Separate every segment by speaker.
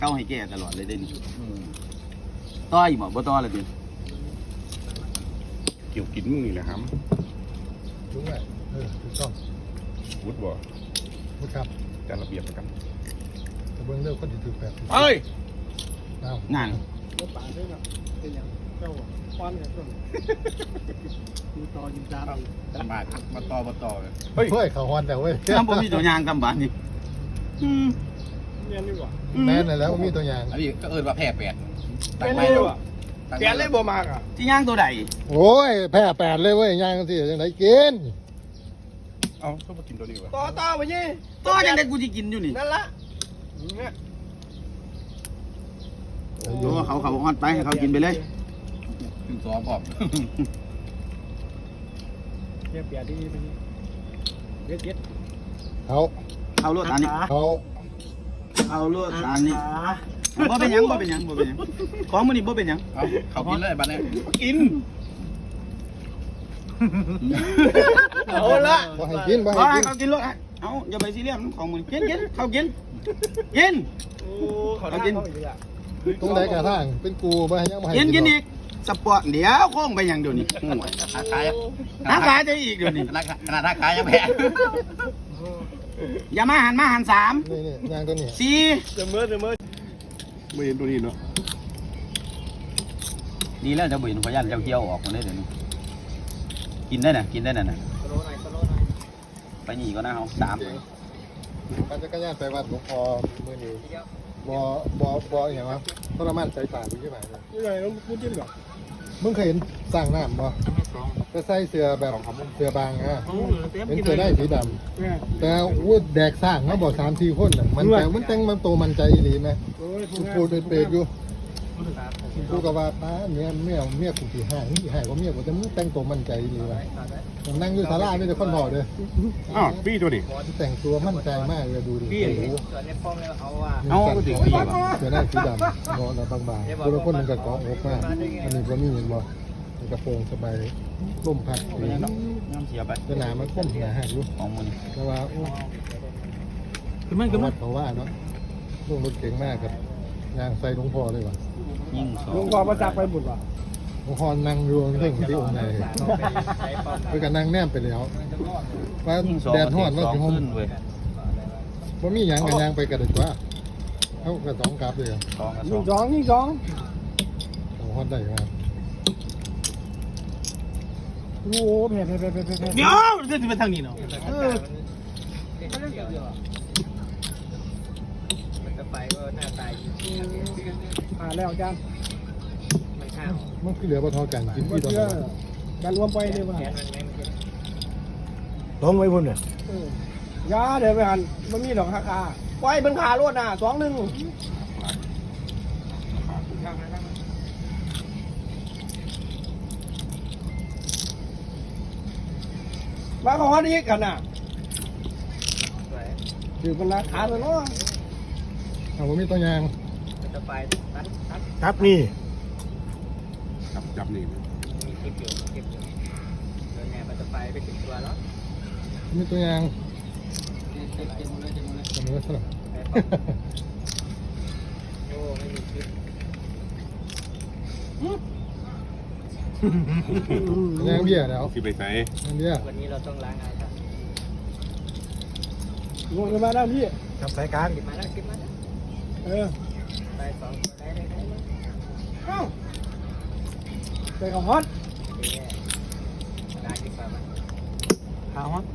Speaker 1: เก้าให้แก่ตลอดเลยเด่นต้อยบ่ต้อเลยดิ
Speaker 2: เกี่ยวกินมึงนี่แหละครับ
Speaker 3: รู้ไหมถูกต้อง
Speaker 2: วุฒิบ่
Speaker 3: พูดครับ
Speaker 2: จัดระเบียบประกัน
Speaker 3: แต่เบื้องเรื่องคนที่ถือแบบ
Speaker 2: เฮ้ย
Speaker 1: งาน
Speaker 4: รถป่าด้วยนะเป็นอย่างเจ้าควันเนี่ยต้นดูต่อยิงจาน
Speaker 2: มาต่อเลย
Speaker 3: เฮ้ยเขาฮอนแต่เว้ย
Speaker 1: ทำบ่มีตัวยางกำบานนี่
Speaker 4: เนี่ยนี่หว่า
Speaker 3: แม่นแล้วมีตัวอย่าง
Speaker 2: อันนี้ก็เอิญว่าแพร่แปด
Speaker 4: เป็นนี่หว่าแกเล่บ่มากอ่ะ
Speaker 1: ที่ยางตัวใด
Speaker 3: โอ้ยแพ้แปดเลยเว้ยย่างสิยังไงกิน
Speaker 2: เอ้าชอบมากินตัวนี้วะ
Speaker 4: ต่อไปยี่
Speaker 1: ตัวจังได้กูสิกินอยู่นี่
Speaker 4: นั่นละ
Speaker 1: โอ้เขาฮอดไปให้เขากินไปเลย
Speaker 2: กินซอพร้อม
Speaker 4: เปลี่ยนที่ไปนี่เด็ด
Speaker 3: เขา
Speaker 1: รถอันนี้
Speaker 3: เขา
Speaker 1: เอารถอันนี้บ่เป็นหยังของมื้อนี้บ่เป็นหยัง
Speaker 2: เอาเขากินเลยบัดนี้กิน
Speaker 4: เอาละ
Speaker 3: บ่ให้กินบ่
Speaker 1: ขอ
Speaker 3: ให้
Speaker 1: ให้
Speaker 3: กิน
Speaker 1: เขากินรถเอาอย่าไปซีเรียสของมื้อนี้กินเขากิน
Speaker 4: โอ้เขาได้เขาอีกอ่ะ
Speaker 3: ตรงไหนกระทั่งเป็นกูบ่ให้ยังบ่ให้
Speaker 1: กินอีกสปอร์ตเดี๋ยวโค้งไปหยังเดี๋ยวนี้ห่วย
Speaker 2: ขาย
Speaker 1: น้ำขายจะอีกเดี๋ยวนี้
Speaker 2: ขนาดขายยังแพง
Speaker 1: อย่ามาหัน3
Speaker 3: นี่ย่างตัวนี้
Speaker 1: 4
Speaker 4: เสมอ
Speaker 2: ไม่เห็นตัวนี้เนาะ
Speaker 1: ดีแล้วจะบ่เห็นพยันเจ้าเกี่ยวออกมาได้เดี๋ยวนี้กินได้น่ะน่ะ
Speaker 4: สโลหน่อย
Speaker 1: ไปนี่ก็นะเฮา3
Speaker 3: ปั่นจักรยานไปวัดหลวงพ่อมื้อนี้บ่อย่างวะทรมานใจตายอยู่ที่ไหนเลย
Speaker 4: นี่ไงต้องพูดจิ้มหรอ
Speaker 3: มึงเคยเห็นสร้างน้ำบ่ไปใส่เสื้อแบบเสื้อบางอ่ะเป็นเสื้อได้สีดำแต่อู้แดกสร้างมาบ่3-4คนน่ะมันแต่งมันโตมันใจอีหลีไหม
Speaker 4: โอ้ย
Speaker 3: พูดเปรตอยู่กูก็ว่าป้าเมียกูสิหายว่าเมียกูแต่มึงแต่งตัวมั่นใจอีหลีว่ะผมนั่งอยู่ศาลานี่แต่คนหอเด้อ
Speaker 2: อ้าวพี่ตัวนี้
Speaker 3: แต่งตัวมั่นใจมากเลยดูดิโอ้โห
Speaker 4: ส่วนในป้องแล้วเอาว่า
Speaker 1: เอาก็ถึงปีบ่
Speaker 3: เสื้อได้สีดำงอแล้วบางๆคนละคนมันก็เกาะอกมากอันนี้ก็มีเห็นบ่มันกระโปรงสบายร่มพัด
Speaker 1: เป็นหยังดอกน้ำเสียไป
Speaker 3: สนามมันก้มหนาหักอยู่
Speaker 1: ของมื้อนี้
Speaker 3: แต่ว่าโอ้
Speaker 1: คือมัน
Speaker 3: เขาว่าเนาะลุงรถเก่งมากครับยางใส่หลวงพ่อเลยว่ะ
Speaker 1: ยิ่งสอ
Speaker 4: ลุ
Speaker 1: ง
Speaker 4: งพอมาจับไปบุญว่ะ
Speaker 3: หลวงพ่อนั่งอยู่เรื่องที่องค์ไหนไปกันนั่งแนมไปแล้วว่า
Speaker 1: ยิ่งสอง
Speaker 3: แดดฮ้อนว่า
Speaker 1: สอง
Speaker 3: สิห่ม
Speaker 1: ขึ้นเว้ย
Speaker 3: ว่ามีหยังกันยางไปกระเด็ดว่าเขากระสองกลับเลย
Speaker 1: 2กับ
Speaker 4: ยิงสอง
Speaker 3: สองฮอดได้มา
Speaker 4: โอ้แผ่
Speaker 1: เดี๋ยวจะไปทางนี้เนาะ
Speaker 4: มันจะไปก็หน้าตายแล้วอาจารย์
Speaker 3: มันคือเหลือปลาทอกันกิน
Speaker 4: ว่า
Speaker 3: ที่ตอน
Speaker 4: เชื่อ
Speaker 3: นั้น
Speaker 4: การรวมไปเลยว่ะ
Speaker 3: ล้มไว้พุ่นเนี่ย
Speaker 4: ยาเดี๋ยวไปหันมันมีดอกราคาไว้เป็นขารวดน่ะ2-1มาของอันนี้กันน่ะคือมันราคาเลยเนาะ
Speaker 3: เอาว่ามีตัวยาง
Speaker 4: จะไป
Speaker 3: ครับนี่
Speaker 2: จับนี่
Speaker 4: มีคลิปอยู่เดินแนวมันจะไปถึงตัวแล้ว
Speaker 3: มีตัวยาง
Speaker 4: เต็มเลย
Speaker 3: ทำไมวะสลับ
Speaker 4: โอ้ไม่มีคลิป
Speaker 3: ยางเบี้ยแล้ว
Speaker 2: สิไปใส่
Speaker 3: ยางเบี้ย
Speaker 4: วันนี้เราต้องล้างอายกันงงกันมาแล้วพี่
Speaker 3: ทำสายการ
Speaker 4: คลิปมาแล้วไป2ตัวได้เอ้าไปของฮอตได้ดีกว่ามั้ย
Speaker 1: หาฮะ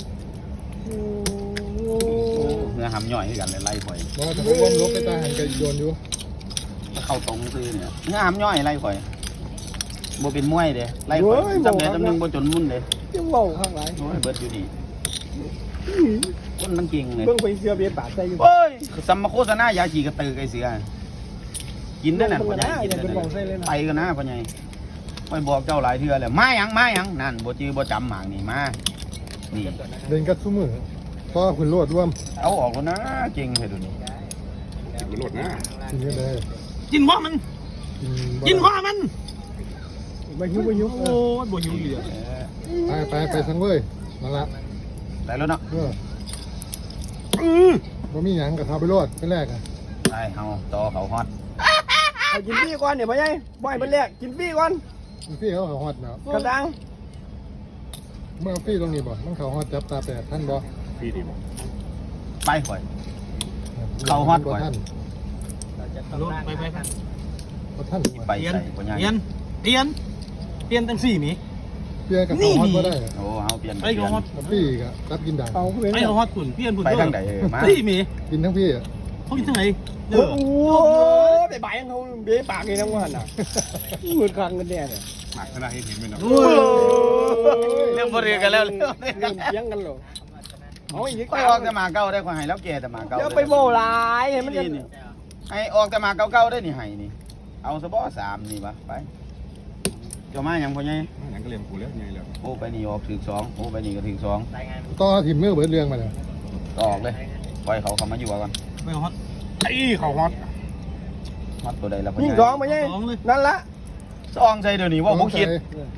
Speaker 1: เนื้อหำย่อยให้กันเลยไล่ข่อย
Speaker 3: บอกว่าจะพ้นลบไปตาหันกันโยนอยู่
Speaker 1: เข้าตรงซื้อเนี่ยเนื้อหำย่อยไล่ข่อยบ่เป็นมวยเด้ไล่ข่อยจำได้จำหนึงบ่จนมุ่นเด้
Speaker 4: ยังเว้าข้างหลัง
Speaker 1: โอ้ยเบิดอยู่ดีคนมันเก่งเลย
Speaker 4: เบิ่งไปเสือเบียดปากใส่อยู่
Speaker 1: โอ้ยสัมมาโฆษณายาฉีกระตือไก่เสือกินได้น่ะพ่อใหญ่กินได้ไปกันนะพ่อใหญ่ไปบอกเจ้าหลายเทื่อแล้วมาหยังนั่นบ่จื้อบ่จำหมางนี่มานี่
Speaker 3: เดินกัดซุ้มือเพราะคุณโลดร่วม
Speaker 1: เอาออกแล้วนะเก่งให้ดูนี่
Speaker 2: กินมันโลดนะ
Speaker 3: กินกันเลย
Speaker 1: กินหัวมันกินหัวมัน
Speaker 4: ไม่หิวโอ้ยบ่หิวเหลือ
Speaker 3: ไปสังเว้ยมาละ
Speaker 1: ได้แล้วเนาะ
Speaker 3: ว่ามีหยังกับเขาไปโลดเป็นแรกอ่ะ
Speaker 1: ไปไอ้เฮาต่อเขาฮอต
Speaker 4: เอากินฟรีก่อนเนี่ยพ่อใหญ่บ่อยเป็นแรกกินฟรีก่อน
Speaker 3: พี่เขาฮอตเนาะ
Speaker 4: กระดัง
Speaker 3: เมื่อพี่ตรงนี้บ่มันเขาฮอตจับตาแปดท่านบ่
Speaker 2: พี่ดีบอก
Speaker 1: ไปข่อย เขาฮอตกว่า
Speaker 3: ท่าน
Speaker 5: ไป
Speaker 3: บ่ท่าน
Speaker 1: ไปใส่ปัญญา
Speaker 5: เปลี่ยนตั้งสี่หมี
Speaker 3: เปียกับเขาฮอตบ่ได้
Speaker 1: โอ้เฮาเปลี่ยน
Speaker 5: ไปกับฮอต
Speaker 3: พี่ก็รับกินด่าง
Speaker 4: เอาเป็น
Speaker 5: ไปกับฮอตขุนเปลี่ยนผุน
Speaker 1: ไปทางไหนมา
Speaker 5: สี่หมี
Speaker 3: กินทั้งพี่อ่ะ
Speaker 5: เขากินทางไหน
Speaker 4: โอ้โหไปบ่ายเขาเบี้ยปากนี่นะว่าน่ะเหมือนครั้งกันแน่เลย
Speaker 2: หมักขนาดเห็นไหมเนาะ
Speaker 1: เรื่องบ่เรือกันแล้วเรื่อง
Speaker 4: เรื่องเสียงกันหรอเอาอีก
Speaker 1: ไปออกแต่หมาเก่าได้ข่อยให้แล้วแก่แต่หมาเก่า
Speaker 4: เดี๋ยวไปโม่ลายเห็นมันจะ
Speaker 1: นี่ให้ออกแต่หมาเก่าๆได้นี่ให้นี่เอาซะบ่3นี่วะไปเจ้ามาหยังพ่อใหญ่
Speaker 2: อย่างก็เรียนกูแล้วไงแล้ว
Speaker 1: โอ้ไปนี่ออกถึง2โอ้ไปนี่ก็ถึง2
Speaker 3: ต่อถิ่มมือเบิดเรื่องมาเลย
Speaker 1: ออกเลยปล่อยเขาเข้ามาอยู่ก่อน
Speaker 5: ไปกับฮอต
Speaker 2: ไอ้เขาฮอต
Speaker 1: ฮอตตัวใดล่ะพ่อ
Speaker 4: ยิ่ง
Speaker 1: ให
Speaker 4: ส
Speaker 1: ญ่
Speaker 4: องมาไงนั่นละ
Speaker 1: ซองใส่เดี๋ยวนี้ว่าบ่คิด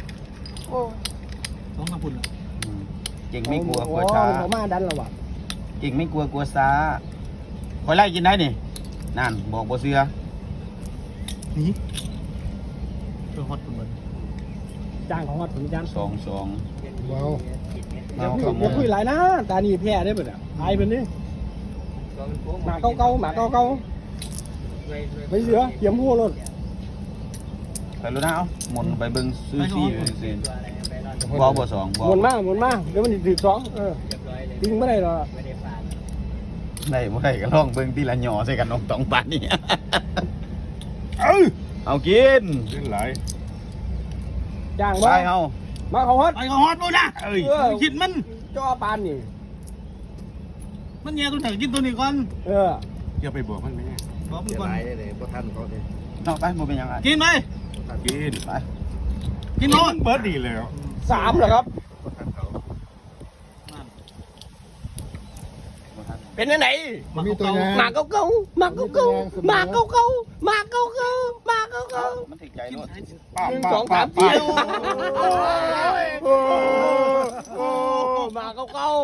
Speaker 5: สองกับพุ่น
Speaker 1: เก่งไม่กลัวช้า
Speaker 4: ผมมาดันแล้วว่ะ
Speaker 1: เก่งไม่กลัวช้าคอยไล่กินได้นี่นั่นบอกบ่เชื่อ
Speaker 5: นี่ไปฮอตขุนมัน
Speaker 4: จ้างของวัดถึงจ้าง
Speaker 1: 2
Speaker 3: ว้าว
Speaker 1: ๆ
Speaker 4: อย่า
Speaker 1: เอา
Speaker 4: คุย
Speaker 1: เข้า
Speaker 4: อย่าคุยหลายนะตานี่แพ้ได้เบิดอ่ะอายเป็นนี่หมาเก่าๆหมาเก่าๆไปเสือเขียมหัวรถ
Speaker 1: ไปรู้นะเอาหมุนไปเบิ่งซื้อซี่ซื่อๆบ่2บ่
Speaker 4: หมุนมาเดี๋ยวมันถือสองทิ้งไม่ได้หรอก
Speaker 1: ได้บ่ได้ก็ลองเบิ่งทีละหย่อใส่กันน้องตองปานนี่ เอากิน
Speaker 2: เล่นหลาย
Speaker 4: จ้าง
Speaker 1: ไป
Speaker 4: ว่า
Speaker 1: เฮา
Speaker 4: มาเขาฮัด
Speaker 5: ไปกับฮอตปุ๊นะเอ้ยคิดมัน
Speaker 4: จ่อปานนี่
Speaker 5: มันแย่ตัวไหนกินตัวนี้ก่อน
Speaker 2: อย่าไปบอกมันไหม
Speaker 5: บอกมันก่อน
Speaker 1: เนาะไปบ่เป็นหยังอ่ะ
Speaker 5: กินไป
Speaker 2: กิน
Speaker 1: ไป
Speaker 5: กินฮอต
Speaker 2: เบิร์ดดีแล้ว
Speaker 4: 3เหรอครับ เป็นยังไง
Speaker 3: มีตัวอยาง
Speaker 4: หมาเก่าๆหมาเก่าๆหมาเก่าๆหมาเก่าๆหมาเก่า
Speaker 1: มันถึกใจโลด
Speaker 4: ๆ1 2 3 4โอ้หมาเก่า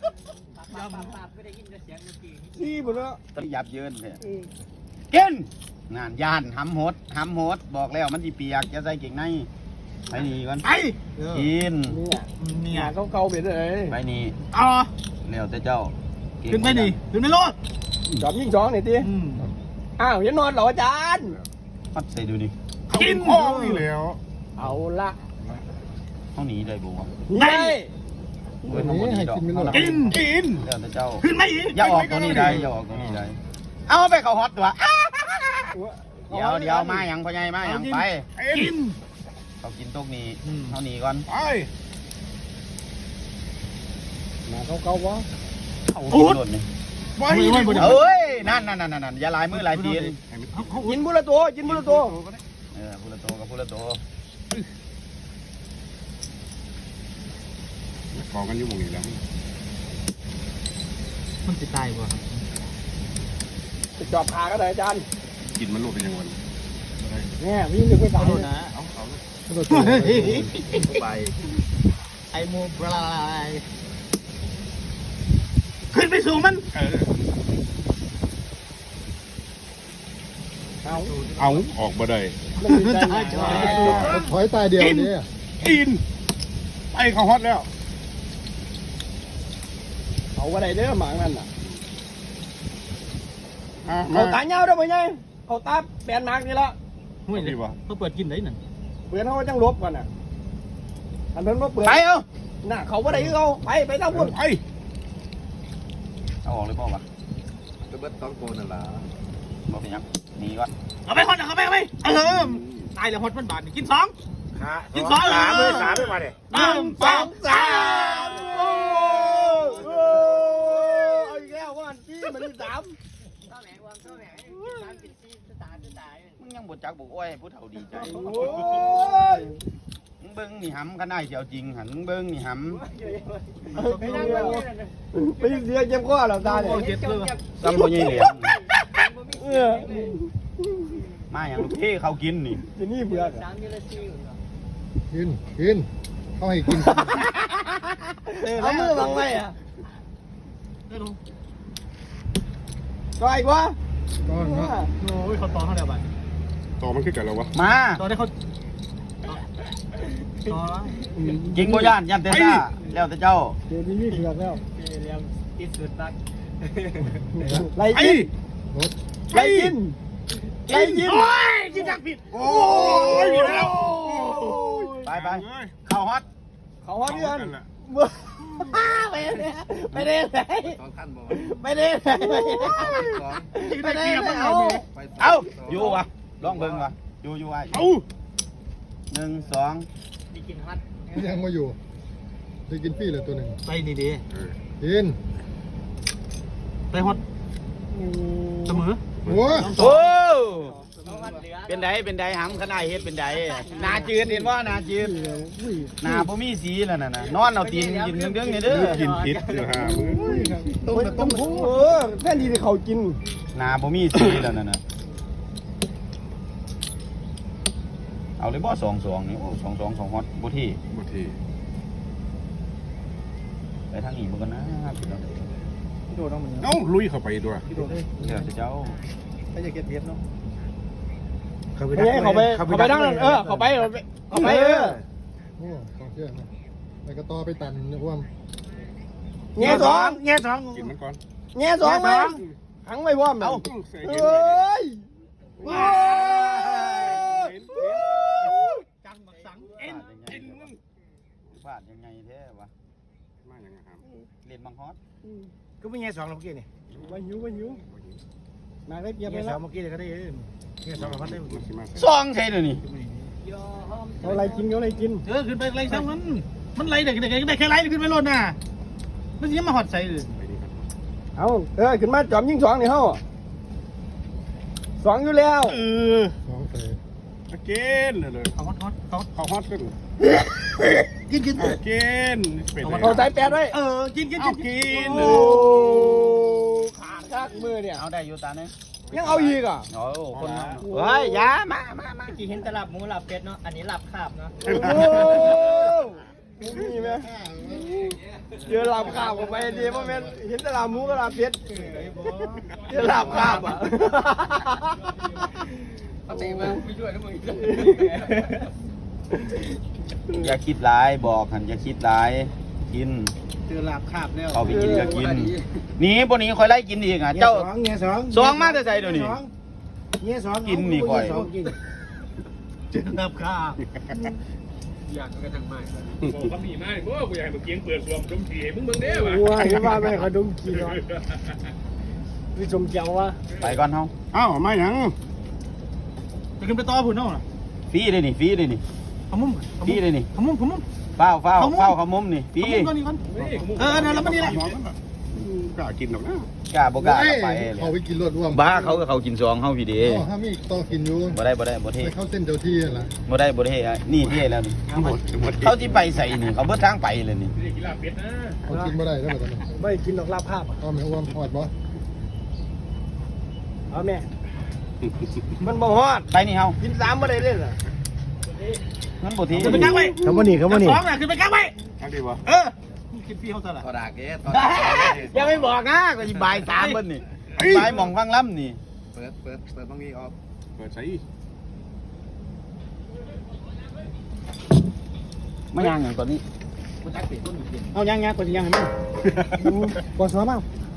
Speaker 4: ๆซี่หมดแล้ว
Speaker 1: ตอนยับเยินเลยกินงานย่านหำโหดบอกแล้วมันสิเปียกจะใส่เก่งในไปนี่ก่อน
Speaker 5: ไป
Speaker 1: กิน
Speaker 5: นี่
Speaker 4: หมาเก่าๆเป็นอะไร
Speaker 1: ไปนี่
Speaker 5: เอา
Speaker 1: แล้วแต่เจ้า
Speaker 5: ขึ้นไปนี่ขึ้นไปรถ
Speaker 4: จอมยิ่งสองหน่อยดิอ้าวยังนอนเหรออาจารย์
Speaker 1: พัดใส่ดูดิ
Speaker 2: กินห้องนี่แล้ว
Speaker 4: เอาละ
Speaker 1: เท่านี้ได้บ่วะ
Speaker 4: นี่
Speaker 1: เว้ยทั้งหมดนี้ดอกเท่านั้น
Speaker 5: กิน
Speaker 1: แล้วแต่เจ้า
Speaker 5: ขึ้นไปอีก
Speaker 1: อย่าออกตัวนี้ได้อย่าออกตัวนี้ได้เอาไปเขาฮอตตัวเดี๋ยวมาหยังพ่อใหญ่มาหยังไป
Speaker 5: กิน
Speaker 1: เขากินตกนี้เท่านี้ก่อน
Speaker 2: ไป
Speaker 4: หมาเก่าๆวะ
Speaker 1: เขากินโดดนี่
Speaker 2: ไป
Speaker 1: เอ้ยนั่นอย่าลายมือลายตีน
Speaker 4: กินบุระตัวกินบุระตัว
Speaker 1: พูละโตกับพูละโต
Speaker 2: กองกันอยู่หมองนี้แล้ว
Speaker 5: มันจะตายบ่
Speaker 4: จะจอบขาก็ได้อาจารย์
Speaker 2: กินมันโลดเป็นยังไง
Speaker 4: เนี่ยวิ่งดึกไปตาย
Speaker 5: นะ
Speaker 2: เอาเอา
Speaker 5: ไปไอโมบลายขึ้นไปสู่มัน
Speaker 4: เอา
Speaker 2: เอาออกมาได้
Speaker 4: มันดีใจหน่อย
Speaker 3: ถอยตายเดียวนี้
Speaker 2: กินไปเขาฮอตแล้ว
Speaker 4: เอาอะไรเด้อหมานั่นน่ะ
Speaker 2: มา
Speaker 4: เอาตาเงาด้วยมั้ยไงเอาตาแปลนหมากนี่ละ
Speaker 5: ห่วยเลยเขาเปิดกินได้นั่น
Speaker 4: เปลี่ยนเขาจังลบก่อนน่ะอันนั้นว่าเปลี่ยน
Speaker 1: ไปเอา
Speaker 4: น่ะเขาว่าไหนเขาไปทางพุ่น
Speaker 2: ไป
Speaker 1: เอาออกเลยพ่อวะ
Speaker 3: จะเบิดต้องโกนั่นล่ะ
Speaker 1: บอกเป็นยังหนีก่อน
Speaker 5: เอาไปฮอตเอาไปตายแล้วฮอตมันบาทกินสองกินสอง
Speaker 2: 3ด้วยมาเด้
Speaker 5: 1 2 3
Speaker 4: เอาอีกแล้วว่าจี้มันที่3
Speaker 1: มึงยังบดจักบอกโอ้ยผู้เฒ่าดีใจ
Speaker 4: โอ้ย
Speaker 1: มึงเบิ้งนี่หำกันได้เสียวจริงหันมึงเบิ้งนี่ห
Speaker 4: ไปเสียเจ็บคอแล้วตาเนี่ย
Speaker 5: เจ็บเลย
Speaker 1: ำซ้ำพ่อใหญ่เหลียง
Speaker 4: เออ
Speaker 1: มาอย่างลูกเท่เขากินนี่
Speaker 4: จะนี่เบื่อ
Speaker 3: กินเขาให้กิน
Speaker 4: เอามือบังไว้อ่ะก็อีกวะ
Speaker 3: ก้อนเนาะ
Speaker 5: โอ้ยเขาต่อเท่าไหร่บ้าง
Speaker 2: ต่อมันขึ้นกันแล้ววะ
Speaker 1: มา
Speaker 5: ต่อได้เขาต่อแล้ว
Speaker 1: จริงบ่ย่านเตซ่าแล้วแต่เจ้า
Speaker 4: เดี๋ยวนี้มีเถือกแล้ว
Speaker 5: เรียมที่สุดตัก
Speaker 4: ไล่
Speaker 2: ไอ้
Speaker 4: กิน
Speaker 3: รถ
Speaker 4: ไล่กินไล่กิน
Speaker 5: โอ้ยกินจักผิด
Speaker 2: โอ้ยมีแล้ว
Speaker 1: ไปเข้าฮอต
Speaker 4: เขาว่าเดือน
Speaker 2: นั่นแหละ
Speaker 4: ไม่ได้ไหนไม่ได้ไหนไม่ได้ไหนเอา
Speaker 1: เอ้าอยู่วะลองเบิ่งวะอยู่ไอ้
Speaker 2: เอา
Speaker 1: 1 2
Speaker 5: มีกินฮัท
Speaker 3: ยังมาอยู่ได้กินฟรีเลยตัวหนึ่ง
Speaker 5: ไปดีดี
Speaker 3: กิน
Speaker 5: ไปฮอตเสมอ
Speaker 3: โอ้
Speaker 1: โอ้เป็นไดหำขนาดเฮ็ดเป็นไดหน้าจืดเห็นว่าหน้าจืดหน้าบ่มีสีแล้วน่ะนอนเอาตีนกินเรื่องๆนี่เด้อ
Speaker 2: กินพิษเดี๋ยวหามือ
Speaker 4: ต้มแค่ดีที่เขากิน
Speaker 1: หน้าบ่มีสีแล้วน่ะเอาเลยบ่2-2นี่โอ้2-2 2ฮอตบ่ที่
Speaker 2: บางที
Speaker 1: ไปทางนี้บ่กันนะพี่น้อง
Speaker 4: พี่โดดต้องเหมือน
Speaker 2: เอ้าลุยเข้าไปด้วย
Speaker 4: พี่โดดเลย
Speaker 1: เดี๋ยวเจ้า
Speaker 4: ไม่จะเก็บเบียบเนาะ
Speaker 5: เขาไป
Speaker 4: เขาไปดังนั่นเขาไปโอ้กองเชื่อนะไปกระต่อไปตันนะพวกแง่สอง
Speaker 2: กินมันก่อน
Speaker 4: แง่สองไหมขังไว้พร้อม
Speaker 1: เอา
Speaker 2: ใส่
Speaker 4: เอ
Speaker 2: กิน้
Speaker 4: ย
Speaker 5: จังบักสังเอ็น
Speaker 1: ฟาดยังไงแท้วะ
Speaker 2: มาอย่างนั้น
Speaker 1: เล่นบังฮอต
Speaker 5: ก็ไม่แง่สองเราเมื่อกี้นี่
Speaker 4: มาหิวมาได้เบียบไป
Speaker 5: แง่ส
Speaker 4: แล้
Speaker 5: อง
Speaker 4: ว
Speaker 5: เมื่อกี้เลยก็ได้แง่สองเราพัดได้
Speaker 2: มันสิมาใส่
Speaker 1: ซองใช่เดี๋ยวนี้
Speaker 4: เอาอะไรกินเอาอะไรกิน
Speaker 5: ขึ้นไปไรซ้ำมันไรเด็กได้แค่ไรขึ้นไปรถน่ะมันยังมาหอดใส่เลย
Speaker 2: ไปนี่ครับ
Speaker 4: เอาขึ้นมาจอมยิงสองนี่เฮ้าสองอยู่แล้ว
Speaker 3: สองใส่
Speaker 2: เกณฑ์เลย
Speaker 5: เขาฮอตเขา
Speaker 2: เขาฮอตขึ้น
Speaker 5: กิน
Speaker 2: เกณฑ์เป็น
Speaker 4: เอาใส่แปดไว้
Speaker 5: กิน
Speaker 2: เอากิน
Speaker 4: โอ้ขาดคักมือเนี่ย
Speaker 1: เอาได้อยู่ตาเนี่ย
Speaker 4: ยังเอาอีกอ่ะ
Speaker 1: โอ้คนนั้นเฮ้ยยามา
Speaker 5: กี่เห็นแต่หลับหมูหลับเป็ดเนาะอันนี้หลับขาบเนาะ
Speaker 4: โอ้มีไหมเจอลาบข้าวกับไปดีเพราะแม่เห็นแต่ลาบหมูกับลาบเป็ดเจอลาบข้าวอ่ะ
Speaker 5: เอาตีมาไม่ช่วยนะมึง
Speaker 1: อย่าคิดร้ายบอกหันอย่าคิดร้ายกิน
Speaker 5: เจอหลับขาบแล้ว
Speaker 1: เอาไปกินก็กินหนีพวกนี้คอยไล่กินอีกอ่ะเจ้า
Speaker 5: เงี้ยสอง
Speaker 1: ซองมาแต่ใส่เดี๋ยวนี้
Speaker 5: เงี้ยสอง
Speaker 1: กินนี่ก่อย
Speaker 5: เจอหลับขาบอยากกระทังไม้
Speaker 2: บอกคำนี้มาเพราะว่ากูอยากให้มึงเกียงเปิดรวมจมทีมึงเบิ่งเด้อวะ
Speaker 4: ว้ายว่าแม่เขาดุมกินเนาะพี่ชมเจ้าว่า
Speaker 1: ไปก่อนเฮา
Speaker 2: เอ้ามาหยัง
Speaker 5: จะขึ้นไปต่อพุ่นเนาะ
Speaker 1: ฟรีเลยนี่ฟรีเลยนี่
Speaker 5: ขมุ้ม
Speaker 1: ฟรีเลยนี่
Speaker 5: ขมุ้ม
Speaker 1: เฝ้าเขามุมนี่ฟรี
Speaker 5: ขมุ้มก่อนนี่ก่อนแล้วมันนี่แหละ
Speaker 2: กล้ากินหรอกนะ
Speaker 1: กล้าบ่กล้าก็ไป
Speaker 3: เขาไปกินรถร่วม
Speaker 1: บ้าเขาก็เขากินซองเฮาพี่เด้
Speaker 3: ถ้ามีต้องกินอยู่
Speaker 1: บ่ได้เท่
Speaker 3: ไปเข้าเส้นเจ้าที่นั่นแหละ
Speaker 1: บ่ได้นี่เท่แล้วนี่เขาที่ไปใส่นี่เขาเบิดทางไปเลยนี่
Speaker 3: เขากินไม่ได้แล้วแบบนั้น
Speaker 4: ไม่กินดอกลาบภาพอ่ะ
Speaker 3: เอาแม่อ้วมหอดบ่
Speaker 4: เอาแม่มันบ่ฮอด
Speaker 1: ไปนี่เฮา
Speaker 4: กิน3บ่ได้เลยเหรอ
Speaker 1: งั้นบ่ที
Speaker 5: ขึ้นไปกลางไว้
Speaker 4: คำว่านี่
Speaker 5: สองน่ะขึ้นไปกลางไว้
Speaker 2: อันนี้วะ
Speaker 5: กินพี่เขาตลาด
Speaker 1: ยังไม่บอกนะก็สิบ่าย3เบิ่นนี่บ่ายหม่องฟังล้ำนี่
Speaker 2: เปิดตรงนี้ออกเปิดใส่
Speaker 1: มาย่างอย่างตอนนี้
Speaker 5: เอายังกดยังให้มัน
Speaker 4: ปวดหัวมาก